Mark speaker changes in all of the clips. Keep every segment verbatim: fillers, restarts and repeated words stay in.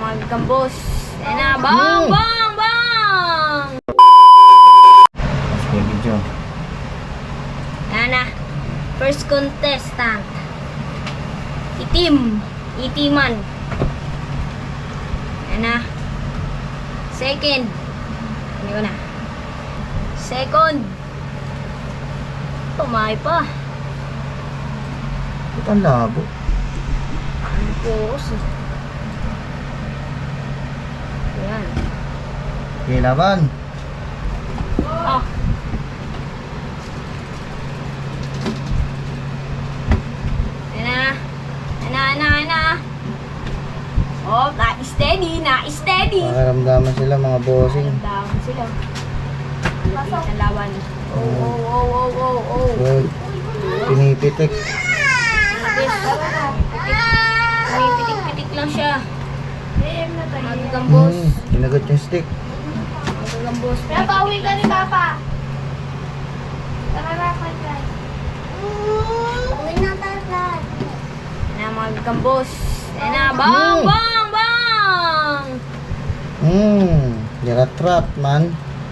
Speaker 1: mga gambos. Ayan na. Bang!
Speaker 2: Mm.
Speaker 1: Bang! Bang!
Speaker 2: Sige, video.
Speaker 1: Ayan na. First contestant. Itim. Itiman. Ayan na. Second. Ano ko na? Second. Tumay pa.
Speaker 2: Ba't ang labo?
Speaker 1: Ang pos eh. Ayan.
Speaker 2: Okay, laban.
Speaker 1: Ah. Ayan na. Ayan na, ayan na, ayan na. Oh, na-steady, na-steady.
Speaker 2: Makaramdaman sila mga bossing.
Speaker 1: Daman sila. Malapit ang laban. Oh, oh, oh, oh, oh, oh.
Speaker 2: Good. Pinipitik.
Speaker 1: May pitik-pitik lang siya. Magagambos.
Speaker 2: Hmm, kinagat yung stick.
Speaker 1: Magagambos.
Speaker 3: Nabawi ka ni Papa. Tara na, Fred. Uwi na tayo.
Speaker 1: Ayan na, magagambos. Ayan na, bang,
Speaker 2: Hmm.
Speaker 1: bang, bang!
Speaker 2: Hmm, niratrap man.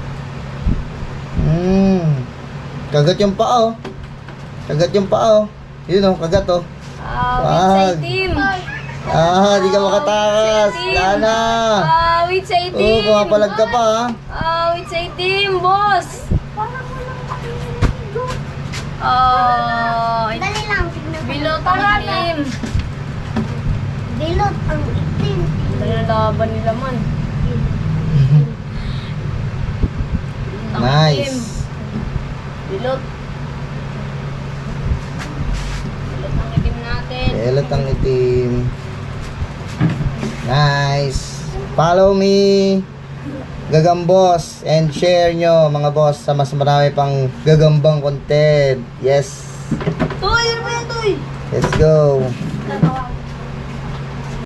Speaker 2: Hmm. Kagat yung paa oh. Kagat yung paa oh. Yun oh, kagat oh.
Speaker 1: Ah,
Speaker 2: Wag.
Speaker 1: wait sa itim.
Speaker 2: Ah, di ka makatakas. Lana.
Speaker 1: Ah, wait sa
Speaker 2: Oh,
Speaker 1: itim.
Speaker 2: pumapalag ka pa ah.
Speaker 1: Ah, wait sa itim, boss. Ah,
Speaker 3: Dali lang, tignan.
Speaker 1: bilot ang itim.
Speaker 3: Bilot ang itim.
Speaker 1: Nalalaban nila man. Ang itim.
Speaker 2: Nice.
Speaker 1: Bilot. Bilot ang itim natin.
Speaker 2: Elot ang itim. Nice. Follow me, Gagambos, and share nyo mga boss sa mas marami pang gagambang content. Yes.
Speaker 1: Toy, ano ba yan, Toy?
Speaker 2: Let's go.